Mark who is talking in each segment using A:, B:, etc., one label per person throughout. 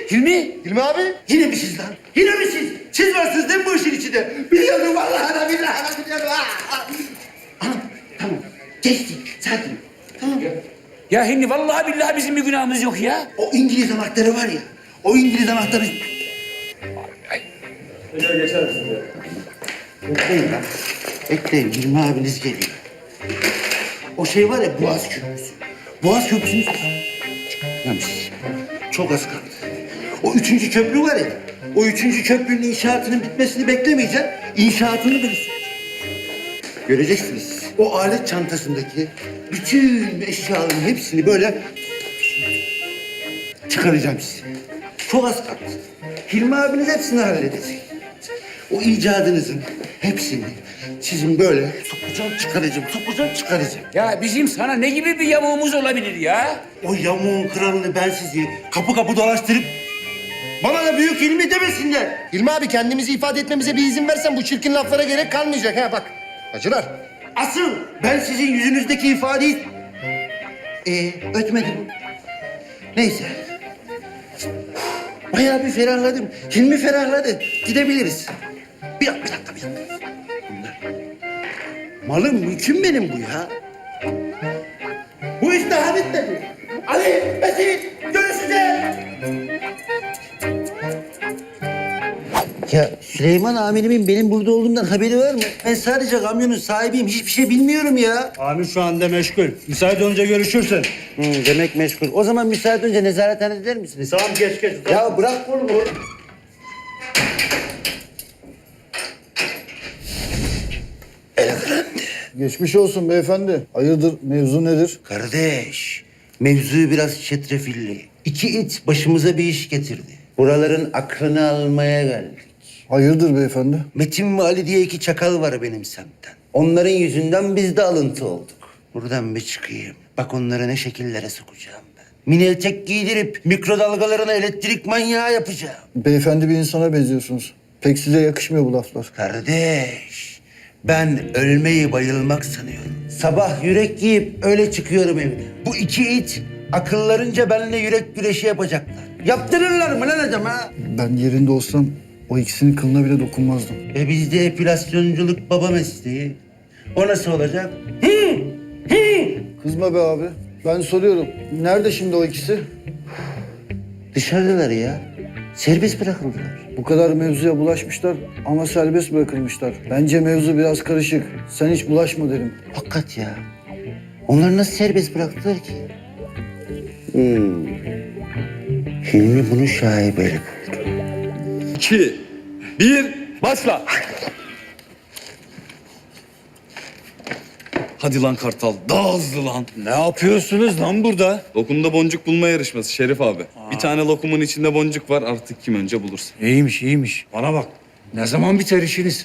A: Hilmi?
B: Hilmi abi.
A: Yine mi siz lan? Yine mi siz? Siz varsınız değil mi bu işin içinde? Biliyordum vallahi da billahi da biliyordum. Tamam. Geçti. Sakin. Tamam.
C: Ya Hilmi vallahi billahi bizim bir günahımız yok ya.
A: O İngiliz anahtarı var ya. O İngiliz anahtarı... Bekleyin lan. Bekleyin. Hilmi abiniz geliyor. O şey var ya Boğaz Köprüsü. Boğaz Köprüsü'nü... Çıkmamış. Çok az kaldı. O 3. köprü var ya. O 3. köprünün inşaatının bitmesini beklemeyeceksin. İnşaatını bilirsin. Göreceksiniz. O alet çantasındaki bütün eşyaların hepsini böyle çıkaracağım size. Çok az kaldı. Hilmi abiniz hepsini halledecek. O icadınızın hepsini sizin böyle sokacağım, çıkaracağım.
C: Ya bizim sana ne gibi bir yamuğumuz olabilir ya?
A: O yamuğun kralını ben sizi kapı kapı dolaştırıp bana da büyük Hilmi demesinler.
B: Hilmi abi kendimizi ifade etmemize bir izin versen bu çirkin laflara gerek kalmayacak ha bak. Acılar.
A: Asıl ben sizin yüzünüzdeki ifadeyi... Ötmedi bu. Neyse. Bayağı bir ferahladım. Hilmi ferahladı. Gidebiliriz. Bir dakika. Bunlar. Malım mülküm benim bu ya. Bu iş daha bitmedi. Ali, Mesih, görüşeceğiz. Ya Süleyman amirimin benim burada olduğumdan haberi var mı? Ben sadece kamyonun sahibiyim. Hiçbir şey bilmiyorum ya.
D: Amir şu anda meşgul. Müsait olunca görüşürsün.
A: Demek meşgul. O zaman müsaade önce nezarethane eder misiniz?
D: Tamam geç.
A: Ya bırak kolumu.
E: Geçmiş olsun beyefendi. Hayırdır, mevzu nedir?
A: Kardeş, mevzu biraz çetrefilli. 2 it başımıza bir iş getirdi. Buraların aklını almaya geldik.
E: Hayırdır beyefendi?
A: Metin ve Ali diye 2 çakal var benim semtten. Onların yüzünden biz de alıntı olduk. Buradan bir çıkayım. Bak onları ne şekillere sokacağım ben. Mini etek giydirip mikrodalgalarına elektrik manyağı yapacağım.
E: Beyefendi bir insana benziyorsunuz. Pek size yakışmıyor bu laflar.
A: Kardeş, ben ölmeyi bayılmak sanıyorum. Sabah yürek giyip öyle çıkıyorum evden. Bu 2 it akıllarınca benimle yürek güreşi yapacaklar. Yaptırırlar mı lan adama?
E: Ben yerinde olsam o ikisinin kılına bile dokunmazdım.
A: Bizde epilasyonculuk baba mesleği. O nasıl olacak?
E: Kızma be abi. Ben soruyorum. Nerede şimdi o ikisi?
A: Dışarıdalar ya. Serbest bırakıldılar.
E: Bu kadar mevzuya bulaşmışlar ama serbest bırakılmışlar. Bence mevzu biraz karışık. Sen hiç bulaşma derim.
A: Hakikat ya. Onları nasıl serbest bıraktılar ki? Hilmi bunu şaibeli buldu.
F: 2, 1, başla. Hadi lan Kartal, daha hızlı lan.
D: Ne yapıyorsunuz lan burada?
F: Lokumda boncuk bulma yarışması Şerif abi. Bir tane lokumun içinde boncuk var, artık kim önce bulursa.
D: İyiymiş. Bana bak. Ne zaman biter işiniz?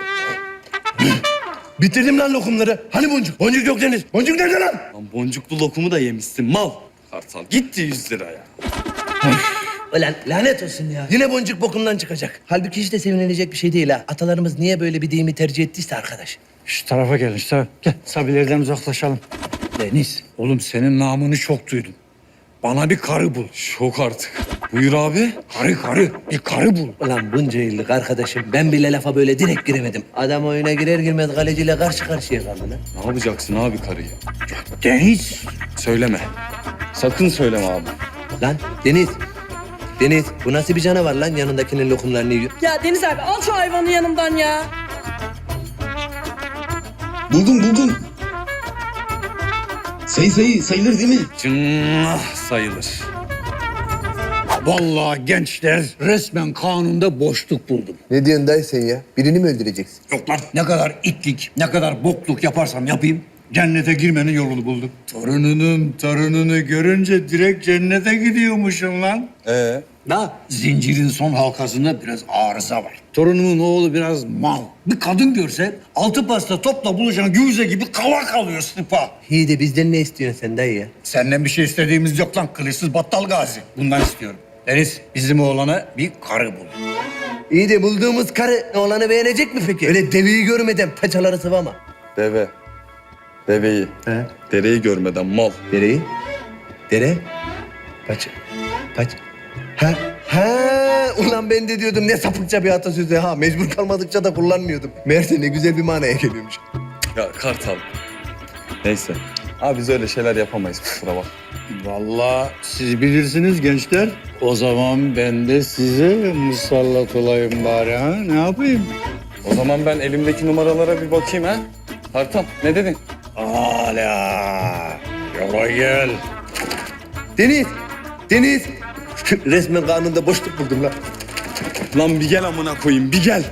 B: Bitirdim lan lokumları. Hani boncuk? Boncuk yok Deniz. Boncuk nerede lan?
F: Lan boncuklu lokumu da yemişsin mal. Kartal gitti 100 lira ya.
G: Ulan lanet olsun ya. Yine boncuk bokundan çıkacak. Halbuki hiç de sevinilecek bir şey değil ha. Atalarımız niye böyle bir deyimi tercih ettiyse arkadaş.
D: Şu tarafa gelin, şu tarafa. Gel, Sabilerden uzaklaşalım. Deniz, oğlum senin namını çok duydum. Bana bir karı bul.
F: Şok artık. Buyur abi.
D: Karı. Bir karı bul.
G: Ulan bunca yıllık arkadaşım ben bile lafa böyle direkt giremedim. Adam oyuna girer girmez kaleciyle karşı karşıya kaldı lan.
F: Ne yapacaksın abi karıyı?
D: Deniz.
F: Söyleme. Sakın söyleme abi.
G: Lan Deniz bu nasıl bir canavar lan yanındakinin lokumlarını yiyor.
H: Ya Deniz abi al şu hayvanı yanımdan ya.
I: Buldum. Sayılır değil mi?
F: Cınnah sayılır.
D: Vallahi gençler resmen kanunda boşluk buldum.
B: Ne diyorsun dayı sen ya? Birini mi öldüreceksin?
D: Yok lan ne kadar itlik, ne kadar bokluk yaparsam yapayım cennete girmenin yolunu buldum. Torununu görünce direkt cennete gidiyormuşum lan. Da zincirin son halkasında biraz arıza var. Torunumun oğlu biraz mal. Bir kadın görse altı pasta topla buluşan güvize gibi kava kalıyor sıpa.
G: İyi de bizden ne istiyorsun sen dayı ya?
D: Senden bir şey istediğimiz yok lan kılıçsız battal gazi. Bundan istiyorum. Deniz bizim oğlana bir karı bul.
G: İyi de bulduğumuz karı oğlanı beğenecek mi peki? Öyle deveyi görmeden paçaları sıvama.
F: Deveyi. Dereyi görmeden mal.
G: Dereyi? Dere? Paça. Ha Ha, ulan ben de diyordum ne sapıkça bir atasözü ha. Mecbur kalmadıkça da kullanmıyordum. Meğerse ne güzel bir manaya geliyormuş.
F: Ya Kartal. Neyse. Abi biz öyle şeyler yapamayız kusura bak.
D: Vallahi siz bilirsiniz gençler. O zaman ben de size musallat olayım bari ha. Ne yapayım?
F: O zaman ben elimdeki numaralara bir bakayım ha. Kartal ne dedin?
D: Hala. Yola gel.
G: Deniz, Deniz. Resmen karnında boşluk buldum lan.
F: Lan bir gel amına koyayım bir gel.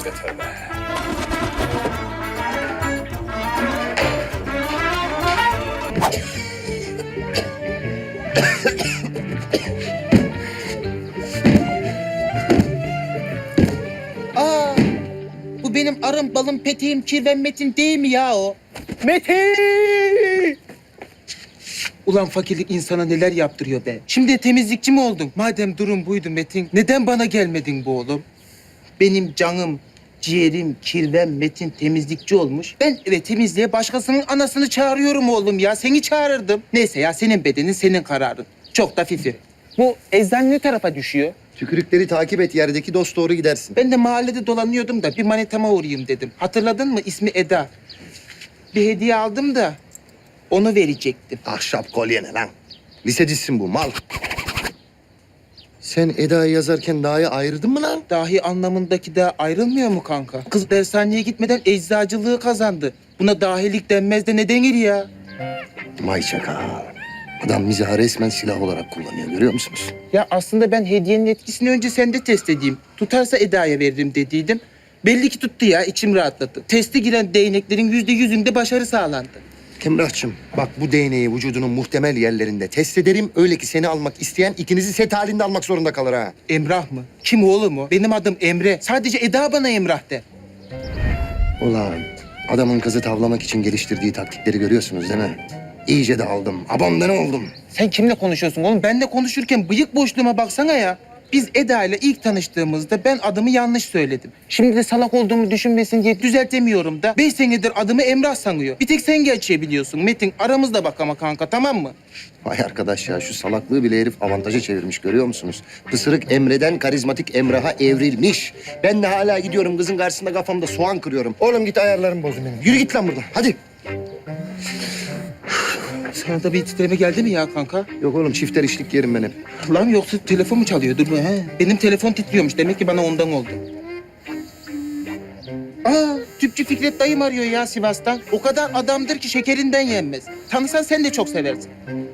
G: Aa, bu benim arım, balım, peteğim, kirven Metin değil mi ya o? Metin! Ulan fakirlik insana neler yaptırıyor be. Şimdi temizlikçi mi oldun? Madem durum buydu Metin, neden bana gelmedin bu oğlum? Benim canım, ciğerim, kirven Metin temizlikçi olmuş. Ben eve temizliğe başkasının anasını çağırıyorum oğlum ya. Seni çağırırdım. Neyse ya senin bedenin, senin kararın. Çok da fifi. Bu eczane ne tarafa düşüyor?
B: Tükürükleri takip et, yerdeki dost doğru gidersin.
G: Ben de mahallede dolanıyordum da bir manitama uğrayayım dedim. Hatırladın mı? İsmi Eda. Bir hediye aldım da onu verecektim.
B: Ahşap kolye ne lan? Lisecisin bu, mal. Sen Eda'yı yazarken Da'yı ayırdın mı lan?
G: Dahi anlamındaki de ayrılmıyor mu kanka? Kız dershaneye gitmeden eczacılığı kazandı. Buna dahilik denmez de ne denir ya?
B: Vay çakal. Adam mizahı resmen silah olarak kullanıyor, görüyor musunuz?
G: Ya aslında ben hediyenin etkisini önce sende test edeyim. Tutarsa Eda'ya veririm dediydim. Belli ki tuttu ya, içim rahatladı. Teste giren değneklerin %100'ünde başarı sağlandı.
B: Emrah'cığım, bak bu değneği vücudunun muhtemel yerlerinde test ederim. Öyle ki seni almak isteyen ikinizi set halinde almak zorunda kalır ha.
G: Emrah mı? Kim oğlum o? Benim adım Emre. Sadece Eda bana Emrah de.
B: Ulan adamın kızı tavlamak için geliştirdiği taktikleri görüyorsunuz değil mi? İyice de aldım. Abondan oldum.
G: Sen kimle konuşuyorsun oğlum? Benle konuşurken bıyık boşluğuma baksana ya. Biz Eda ile ilk tanıştığımızda ben adımı yanlış söyledim. Şimdi de salak olduğumu düşünmesin diye düzeltemiyorum da 5 senedir adımı Emrah sanıyor. Bir tek sen geçebiliyorsun Metin. Aramızda bak ama kanka, tamam mı?
B: Vay arkadaş ya, şu salaklığı bile herif avantaja çevirmiş, görüyor musunuz? Pısırık Emre'den karizmatik Emrah'a evrilmiş. Ben de hala gidiyorum kızın karşısında kafamda soğan kırıyorum. Oğlum git, ayarlarım bozdun benim. Yürü git lan buradan, hadi.
G: Sana da bir titreme geldi mi ya kanka?
B: Yok oğlum, çifter işlik yerim ben hep.
G: Lan yoksa telefon mu çalıyor? Dur he. Benim telefon titriyormuş. Demek ki bana ondan oldu. Aa, tüpçü Fikret dayım arıyor ya Sivas'tan. O kadar adamdır ki şekerinden yenmez. Tanısan sen de çok seversin.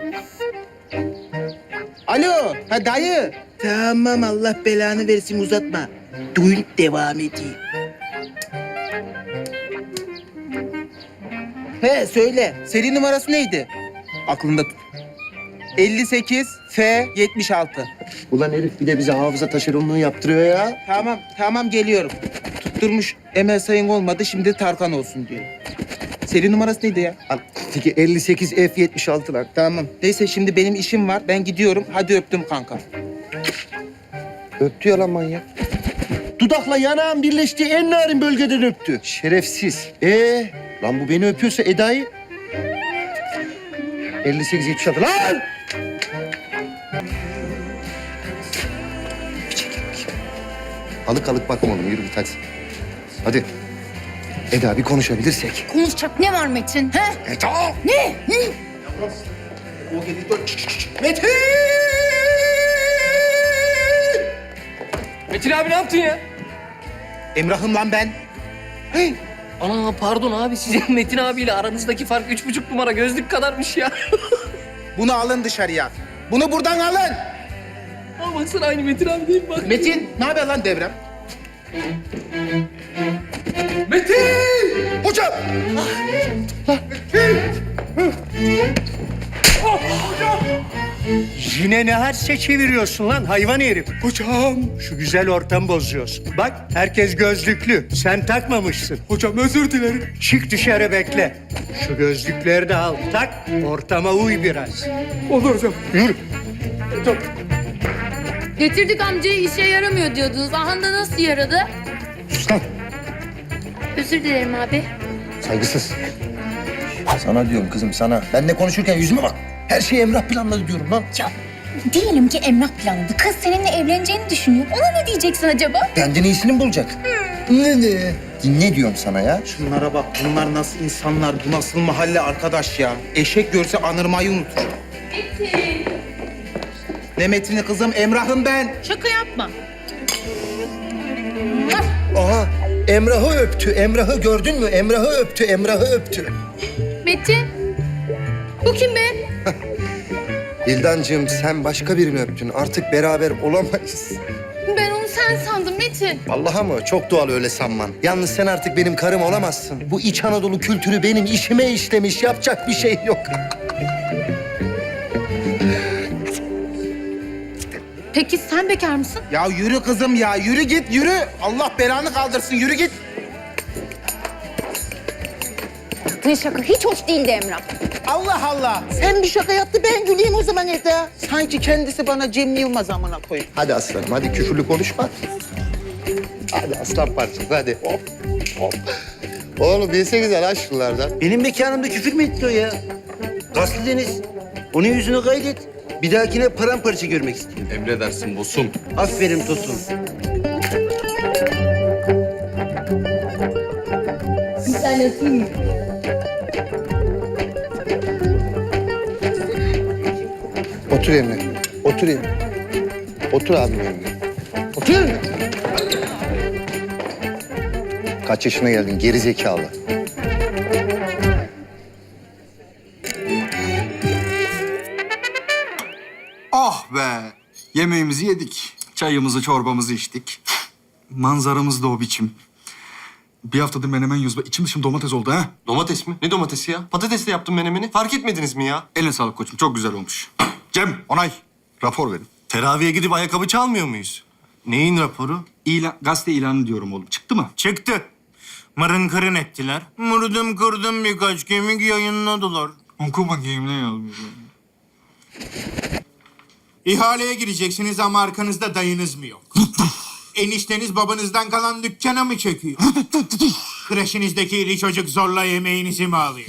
G: Alo, ha dayı. Tamam, Allah belanı versin, uzatma. Düğün devam edeyim. He söyle, seri numarası neydi? Aklında tut. 58 F 76.
B: Ulan herif bir de bize hafıza taşeronluğu yaptırıyor ya.
G: Tamam geliyorum. Tutturmuş Emel Sayın olmadı, şimdi Tarkan olsun diyor. Seri numarası neydi ya?
B: Lan, peki 58 F76 lan.
G: Tamam. Neyse şimdi benim işim var. Ben gidiyorum. Hadi öptüm kanka.
B: Öptü ya lan manyak. Dudakla yanağın birleştiği en narin bölgeden öptü. Şerefsiz. Lan bu beni öpüyorsa Eda'yı... 58-76 lan! Alık alık bakma oğlum, yürü git hadi. Hadi. Eda, bir konuşabilirsek.
H: Konuşacak ne var Metin? He?
B: Eda!
H: Ne?
B: Metin!
C: Metin abi ne yaptın ya?
G: Emrah'ım lan ben. Hey,
J: Ana pardon abi, sizin Metin abiyle aranızdaki fark 3,5 numara gözlük kadarmış ya.
G: bunu alın dışarıya. Bunu buradan alın.
J: Aa, baksana aynı Metin abi değil mi? Bak.
G: Metin, ne haber lan Devrem?
C: Metin!
B: Hocam!
D: Yine ne herse çeviriyorsun lan hayvan herif. Hocam. Şu güzel ortamı bozuyorsun. Bak herkes gözlüklü. Sen takmamışsın. Hocam özür dilerim. Çık dışarı bekle. Şu gözlükleri de al tak. Ortama uy biraz. Olur hocam. Yürü.
H: Getirdik amcayı, işe yaramıyor diyordunuz. Aha da nasıl yaradı?
B: Sus lan!
H: Özür dilerim abi.
B: Saygısız. Sana diyorum kızım, sana. Benle konuşurken yüzüme bak. Her şeyi Emrah planladı diyorum lan.
H: Ya Diyelim ki Emrah planladı. Kız seninle evleneceğini düşünüyor. Ona ne diyeceksin acaba?
B: Benden iyisini mi bulacak? Ne diyorum sana ya?
G: Şunlara bak, bunlar nasıl insanlar, bu nasıl mahalle arkadaş ya? Eşek görse anırmayı unutur. Ne Metin'i kızım, Emrah'ım ben.
H: Şaka yapma.
B: Aha, Emrah'ı öptü. Emrah'ı gördün mü? Emrah'ı öptü. Emrah'ı öptü.
H: Metin. Bu kim be?
B: Bildancığım sen başka birini öptün. Artık beraber olamayız.
H: Ben onu sen sandım Metin.
B: Vallahi mı? Çok doğal öyle sanman. Yalnız sen artık benim karım olamazsın. Bu İç Anadolu kültürü benim işime işlemiş. Yapacak bir şey yok.
H: Peki sen bekar mısın?
G: Ya yürü kızım ya, yürü git, yürü. Allah belanı kaldırsın, yürü git.
H: Ne şaka, hiç hoş değildi Emrah.
G: Allah Allah. Sen bir şaka yaptı, ben güleyim o zaman evde. Sanki kendisi bana Cem Yılmaz amına koyayım.
B: Hadi aslanım, hadi küfürlü konuşma. Hadi aslan parçası, hadi. Hop, hop. Oğlum bilsenize lan şunlardan.
A: Benim mekanımda küfür mü etti o ya? Gaslı Deniz. Onun yüzünü kaydet. Bir dahakine paramparça görmek istiyorum.
F: Emredersin boss'um.
A: Aferin Tosun.
H: Bir tane atayım mı?
B: Otur yerine. Otur yerine. Otur abim yerine. Otur yerine. Kaç yaşına geldin geri zekalı?
K: Oh be! Yemeğimizi yedik. Çayımızı, çorbamızı içtik. Manzaramız da o biçim. Bir haftadır menemen yiyoruz. İçim dışım domates oldu ha.
B: Domates mi? Ne domatesi ya? Patatesle yaptım menemeni. Fark etmediniz mi ya?
K: Eline sağlık koçum. Çok güzel olmuş. Cem, onay. Rapor verin.
B: Teraviye gidip ayakkabı çalmıyor muyuz? Neyin raporu?
K: Gazete ilanı diyorum oğlum. Çıktı mı?
L: Çıktı. Mırın kırın ettiler. Mırdım kırdım birkaç kemik yayınladılar.
K: Oku bakayım ne yazmış.
L: İhaleye gireceksiniz ama arkanızda dayınız mı yok? Enişteniz babanızdan kalan dükkana mı çekiyor? Kreşinizdeki iri çocuk zorla yemeğinizi mi alıyor?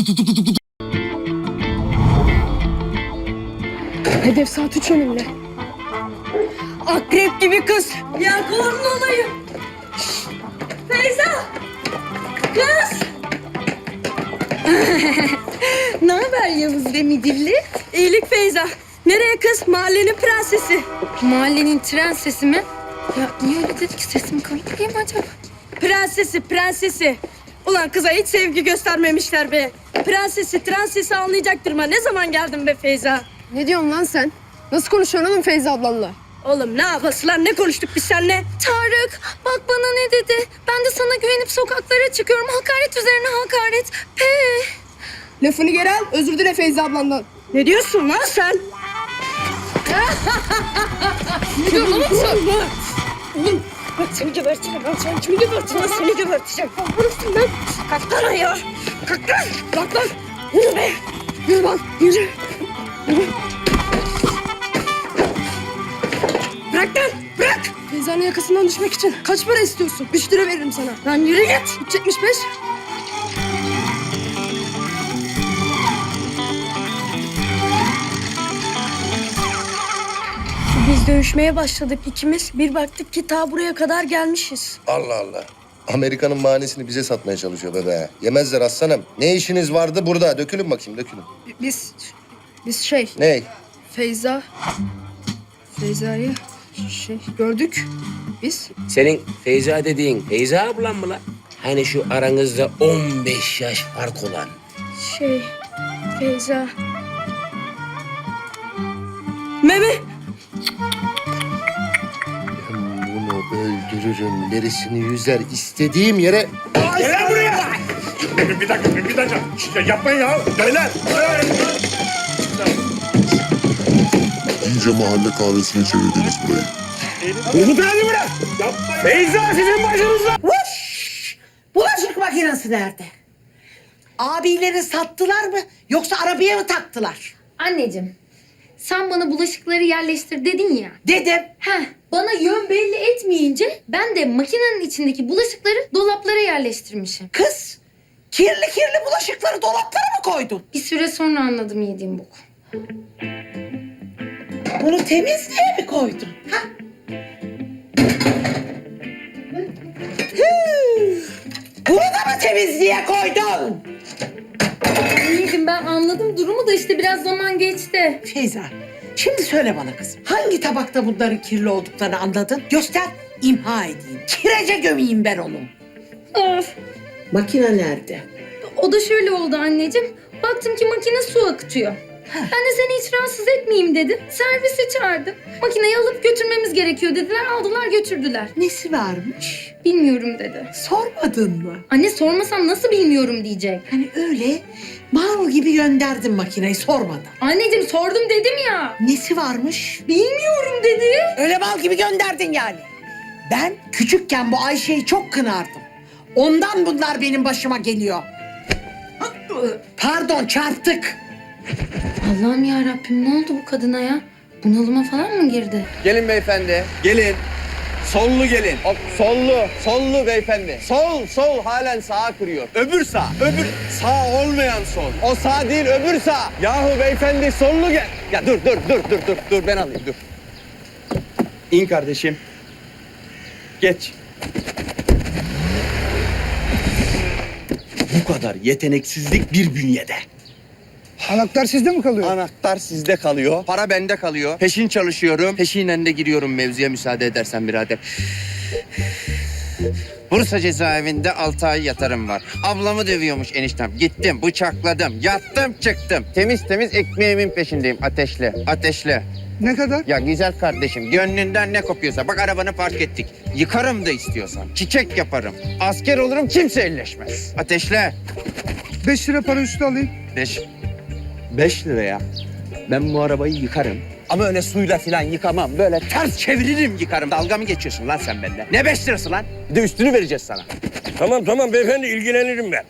H: Hedef saat 3 önümde. Akrep gibi kız. Yelkovamlı olayım. Feyza. Kız. Ne haber Yavuz ve Midilli? İyilik Feyza. Nereye kız? Mahallenin prensesi. Mahallenin prensesi mi? Ya niye öyle dedi ki, sesim komik değil mi acaba?
M: Prensesi. Ulan kıza hiç sevgi göstermemişler be. Prensesi anlayacaktır mı? Ne zaman geldin be Feyza?
H: Ne diyorsun lan sen? Nasıl konuşuyorsun oğlum Feyza ablanla?
M: Oğlum ne yapası lan? Ne konuştuk biz seninle?
H: Tarık bak bana ne dedi. Ben de sana güvenip sokaklara çıkıyorum. Hakaret üzerine hakaret.
M: Lafını geri al. Özür dile Feyza ablandan. Ne diyorsun lan sen?
H: Ne diyorsun oğlum sen?
M: Oğlum bak seni geberteceğim. Ben seni kimi geberteceğim? Seni geberteceğim. Vurursun lan. Kalk lan ayağa. Kalk lan. Kalk lan. Yürü be. Yürü lan. Yürü. Bırak lan. Bırak. Feyza'nın yakasından düşmek için kaç para istiyorsun? 3 lira veririm sana. Lan yürü git. 3.75. Biz dövüşmeye başladık ikimiz. Bir baktık ki ta buraya kadar gelmişiz.
B: Allah Allah. Amerika'nın mahanesini bize satmaya çalışıyor bebe. Yemezler aslanım. Ne işiniz vardı burada? Dökülün bakayım, dökülün.
M: Biz şey,
B: Ney?
M: Feyza'yı gördük biz.
J: Senin Feyza dediğin Feyza ablan mı lan? Hani şu aranızda 15 yaş fark olan.
M: Feyza. Meme.
B: Ben bunu öldürürüm. Derisini yüzer. İstediğim yere...
L: Gel buraya! Bir dakika. Yapmayın ya. Beyler.
I: İyice mahalle kahvesine çevirdiniz burayı.
L: Umut hadi bırak. Feyza sizin başınızda.
M: Bulaşık makinesi nerede? Abileri sattılar mı yoksa arabaya mı taktılar?
H: Anneciğim, sen bana bulaşıkları yerleştir dedin ya.
M: Dedim.
H: Bana yön belli etmeyince ben de makinenin içindeki bulaşıkları dolaplara yerleştirmişim.
M: Kız, kirli bulaşıkları dolaplara mı koydun?
H: Bir süre sonra anladım yediğim boku.
G: Bunu temizliğe mi koydun? Ha? Bunu da mı temizliğe koydun?
H: Anneciğim ben anladım durumu da işte biraz zaman geçti.
G: Feyza, şimdi söyle bana kızım. Hangi tabakta bunların kirli olduklarını anladın? Göster, imha edeyim. Kirece gömeyim ben onu.
H: Of.
G: Makine nerede?
H: O da şöyle oldu anneciğim. Baktım ki makine su akıtıyor. Ben de seni hiç rahatsız etmeyeyim dedim. Servisi çağırdım. Makineyi alıp götürmemiz gerekiyor dediler. Aldılar götürdüler.
G: Nesi varmış?
H: Bilmiyorum dedi.
G: Sormadın mı?
H: Anne sormasam nasıl bilmiyorum diyecek.
G: Hani öyle mal gibi gönderdin makineyi sormadan.
H: Anneciğim sordum dedim ya.
G: Nesi varmış?
H: Bilmiyorum dedi.
G: Öyle mal gibi gönderdin yani. Ben küçükken bu Ayşe'yi çok kınardım. Ondan bunlar benim başıma geliyor. Pardon, çarptık.
H: Allah'ım ya Rabbim ne oldu bu kadına ya? Bunalıma falan mı girdi?
C: Gelin beyefendi. Gelin. Sollu gelin. Hop, sollu beyefendi. Sol halen sağa kırıyor. Öbür sağ, öbür sağ olmayan sol. O sağ değil, öbür sağ. Yahu beyefendi sollu gel. Ya dur ben alayım dur. İn kardeşim. Geç. Bu kadar yeteneksizlik bir bünyede.
E: Anahtar sizde mi kalıyor?
C: Anahtar sizde kalıyor, para bende kalıyor. Peşin çalışıyorum, peşinen de giriyorum mevzuya müsaade edersen birader. Bursa cezaevinde 6 ay yatarım var. Ablamı dövüyormuş eniştem. Gittim, bıçakladım, yattım, çıktım. Temiz ekmeğimin peşindeyim. Ateşle.
E: Ne kadar?
C: Ya güzel kardeşim, gönlünden ne kopuyorsa. Bak arabanı park ettik. Yıkarım da istiyorsan. Çiçek yaparım. Asker olurum, kimse elleşmez. Ateşle.
E: 5 lira para üstü alayım.
C: 5 liraya ben bu arabayı yıkarım. Ama öyle suyla falan yıkamam. Böyle ters çeviririm yıkarım. Dalga mı geçiyorsun lan sen benimle? Ne 5 lirası lan? Bir de üstünü vereceğiz sana.
D: Tamam beyefendi ilgilenirim ben.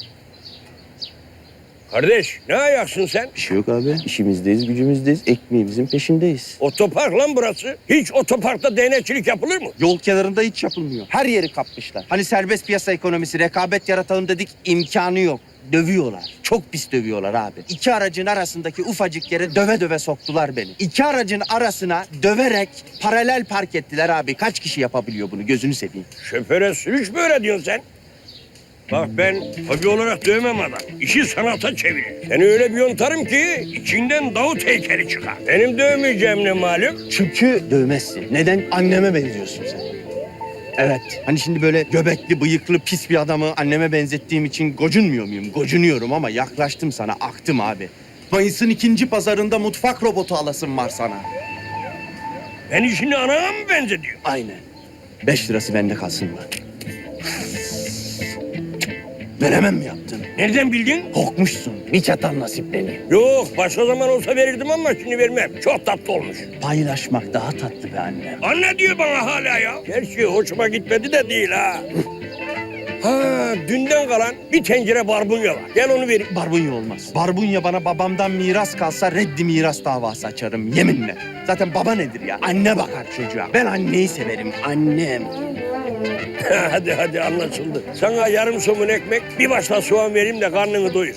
D: Kardeş ne ayaksın sen?
C: Bir şey yok abi. İşimizdeyiz, gücümüzdeyiz. Ekmeğimizin peşindeyiz.
D: Otopark lan burası. Hiç otoparkta değnekçilik yapılır mı?
C: Yol kenarında hiç yapılmıyor. Her yeri kapmışlar. Hani serbest piyasa ekonomisi, rekabet yaratalım dedik, imkanı yok. Dövüyorlar. Çok pis dövüyorlar abi. İki aracın arasındaki ufacık yere döve soktular beni. İki aracın arasına döverek paralel park ettiler abi. Kaç kişi yapabiliyor bunu? Gözünü seveyim.
D: Şoföre sürüş mü öğretiyorsun sen? Bak ben hobi olarak dövmem adam. İşi sanata çevirir. Seni öyle bir yontarım ki içinden Davut heykeli çıkar. Benim dövmeyeceğim ne malum?
C: Çünkü dövmezsin. Neden? Anneme benziyorsun sen. Evet. Hani şimdi böyle göbekli, bıyıklı, pis bir adamı anneme benzettiğim için gocunmuyor muyum? Gocunuyorum ama yaklaştım sana, aktım abi. Mayıs'ın 2. pazarında mutfak robotu alasım var sana.
D: Ben işini anana mı benzediyor?
C: Aynen. 5 lirası bende kalsın mı? Veremem mi yaptın?
D: Nereden bildin?
C: Korkmuşsun. Bir çatan nasip beni.
D: Yok başka zaman olsa verirdim ama şimdi vermem. Çok tatlı olmuş.
C: Paylaşmak daha tatlı be annem.
D: Anne diyor bana hala ya. Gerçi hoşuma gitmedi de değil ha. Ha dünden kalan bir tencere barbunya var. Gel onu vereyim.
C: Barbunya olmaz. Barbunya bana babamdan miras kalsa reddi miras davası açarım yeminle. Zaten baba nedir ya? Anne bakar çocuğa. Ben anneyi severim. Annem.
D: hadi anlaşıldı. Sana yarım somun ekmek, bir başla soğan vereyim de karnını doyur.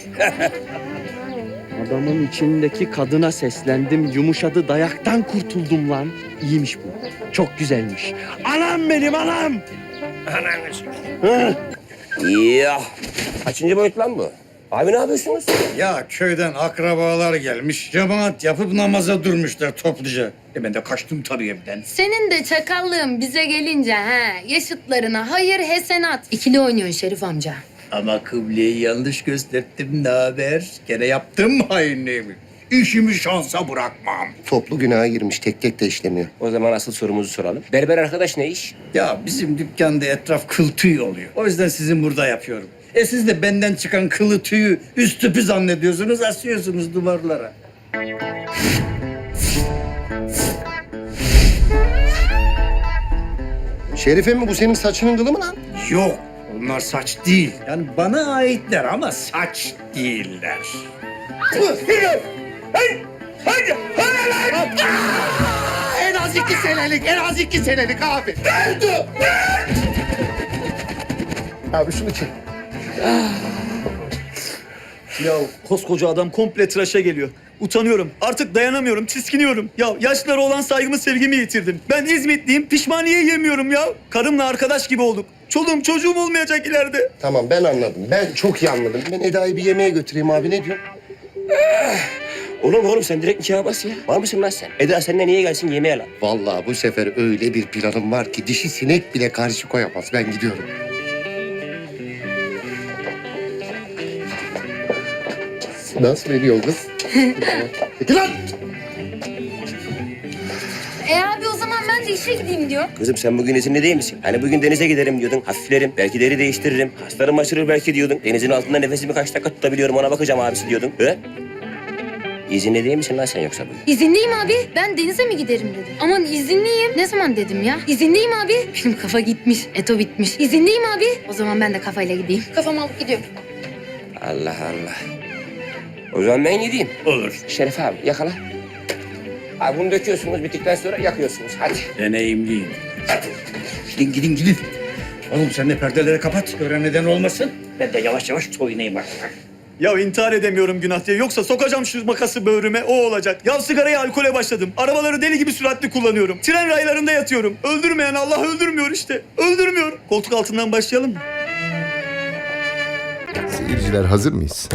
C: Adamın içindeki kadına seslendim. Yumuşadı, dayaktan kurtuldum lan. İyiymiş bu. Çok güzelmiş. Anam benim anam.
D: Ananı
J: Ya kaçıncı boyut lan bu? Abi ne yapıyorsunuz?
D: Ya köyden akrabalar gelmiş. Cemaat yapıp namaza durmuşlar topluca. Ben de kaçtım tabii evden.
H: Senin de çakallığın bize gelince yaşıtlarına hayır hesenat. İkili oynuyorsun Şerif amca.
D: Ama kıbleyi yanlış gösterdim ne haber? Gene yaptım mı hainliğimi? İşimi şansa bırakmam.
B: Toplu günaha girmiş, tek de işlemiyor.
J: O zaman asıl sorumuzu soralım. Berber arkadaş ne iş?
D: Ya bizim dükkanda etraf kıl tüy oluyor. O yüzden sizin burada yapıyorum. Siz de benden çıkan kılı tüyü üst tüpü zannediyorsunuz, asıyorsunuz duvarlara.
B: Şerife mi bu senin saçının kılı mı lan?
D: Yok, onlar saç değil. Yani bana aitler ama saç değiller.
A: En az 2 senelik abi.
B: Abi şunu çek.
C: Ya koskoca adam komple tıraşa geliyor. Utanıyorum. Artık dayanamıyorum. Tiskiniyorum. Ya yaşlara olan saygımı, sevgimi yitirdim. Ben İzmitliyim. Pişmaniye yemiyorum ya. Karımla arkadaş gibi olduk. Çoluğum çocuğum olmayacak ileride.
B: Tamam ben anladım. Ben çok iyi anladım. Ben Eda'yı bir yemeğe götüreyim abi. Ne diyorsun?
J: Oğlum sen direkt nikaha bas ya. Var mısın lan sen? Eda seninle niye gelsin yemeğe lan?
B: Vallahi bu sefer öyle bir planım var ki dişi sinek bile karşı koyamaz. Ben gidiyorum. Nasıl veriyor kız? Peki lan!
H: Abi o zaman ben de işe gideyim diyor.
J: Kızım sen bugün izinli değil misin? Hani bugün denize giderim diyordun. Hafiflerim, belki deri değiştiririm. Haslarım aşırır belki diyordun. Denizin altında nefesimi kaç dakika tutabiliyorum ona bakacağım abisi diyordun. He? İzinli değil misin lan sen yoksa bugün?
H: İzinliyim abi. Ben denize mi giderim dedim. Aman izinliyim. Ne zaman dedim ya? İzinliyim abi. Benim kafa gitmiş. Eto bitmiş. İzinliyim abi. O zaman ben de kafayla gideyim. Kafamı alıp gidiyorum.
J: Allah Allah. O zaman ben gideyim.
D: Olur.
J: Şeref abi yakala. Abi bunu döküyorsunuz bittikten sonra yakıyorsunuz. Hadi.
D: Deneyimliyim. Gidin gidin. Oğlum sen de perdeleri kapat. Gören neden olmasın. Ben de yavaş yavaş soyunayım artık.
C: Ya intihar edemiyorum günah diye. Yoksa sokacağım şu makası böğrüme, o olacak. Ya sigaraya, alkole başladım. Arabaları deli gibi süratli kullanıyorum. Tren raylarında yatıyorum. Öldürmeyen Allah öldürmüyor işte. Öldürmüyor. Koltuk altından başlayalım mı?
I: Seyirciler hazır mıyız?